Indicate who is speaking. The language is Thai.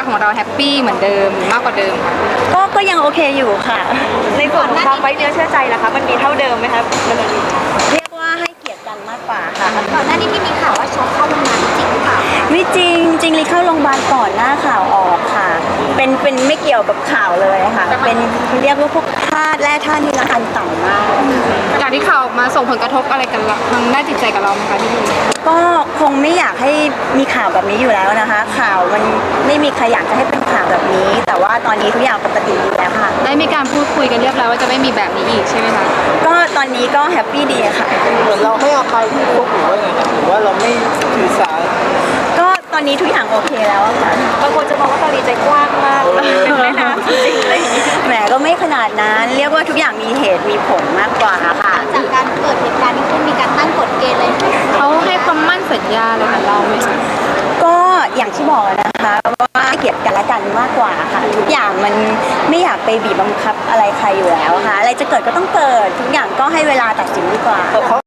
Speaker 1: ของเราแฮปปี้เหมือนเดิมมากกว่าเดิมค่ะ
Speaker 2: ก็ยังโอเคอยู่ค่ะในส่วนของความไว้เนื้อเชื่อใจล่ะคะมันมีเท่าเดิมไหมคะเรียกว่าให้เกียรติกันมากกว่าค่ะ
Speaker 3: ก่อนหน้านี้ที่มีข่าวว่าช็อกเข้าโรงพยาบาลจริงหรือเปล่า
Speaker 2: ไม่จริงจริงเลยเข้าโรงพยาบาลก่อนหน้าข่าวออกค่ะเป็นไม่เกี่ยวกับข่าวเลยค่ะเป็นเรียกว่าพวกธาตุแร่ธาตุนี่ละอันต่ำมาก
Speaker 1: จากที่ข่าวออกมาส่งผลกระทบอะไรกันทางด้านจิตใจกับเราไหมคะพี่บุ๋ม
Speaker 2: ก็คงไม่อยากให้มีข่าวแบบนี้อยู่แล้วนะคะข่าวมันไม่มีใครอยากจะให้เป็นข่าวแบบนี้ แต่ว่าตอนนี้ทุกอย่างปกติดีแล้วค่ะ
Speaker 1: ได้มีการพูดคุยกันเรียบร้อยว่าจะไม่มีแบบนี้อีกใช่ไหมคะ
Speaker 2: ก็ตอนนี้ก็แฮปปี้ดีค่ะ
Speaker 4: เหมือนเราให้อภัยพี่ฟุ๊กหรือว่าไงครับหรือว่าเราไม่ถือสา
Speaker 2: ก็ตอนนี้ทุกอย่างโอเคแล้วค่ะบางคนจะมองว่าตอนนี้ใจกว้างมากเป็นแม่น้ำจริงๆเลยแหมก็ไม่ขนาดนั้นเรียกว่าทุกอย่างมีเหตุมีผลมากกว่าค่ะ
Speaker 3: จากการเกิดเหตุการณ์นี้ขึ้นมีการตั้งกฎเกณฑ์เลย
Speaker 1: เขาให้ความมั่นสัญญาอะไรกับเราไหมคะ
Speaker 2: ก็อย่างที่บอกนะคะว่าเกียรติกันและกันมากกว่าค่ะทุกอย่างมันไม่อยากไปบีบบังคับอะไรใครอยู่แล้วค่ะอะไรจะเกิดก็ต้องเกิดทุกอย่างก็ให้เวลาตัดสินดีกว่า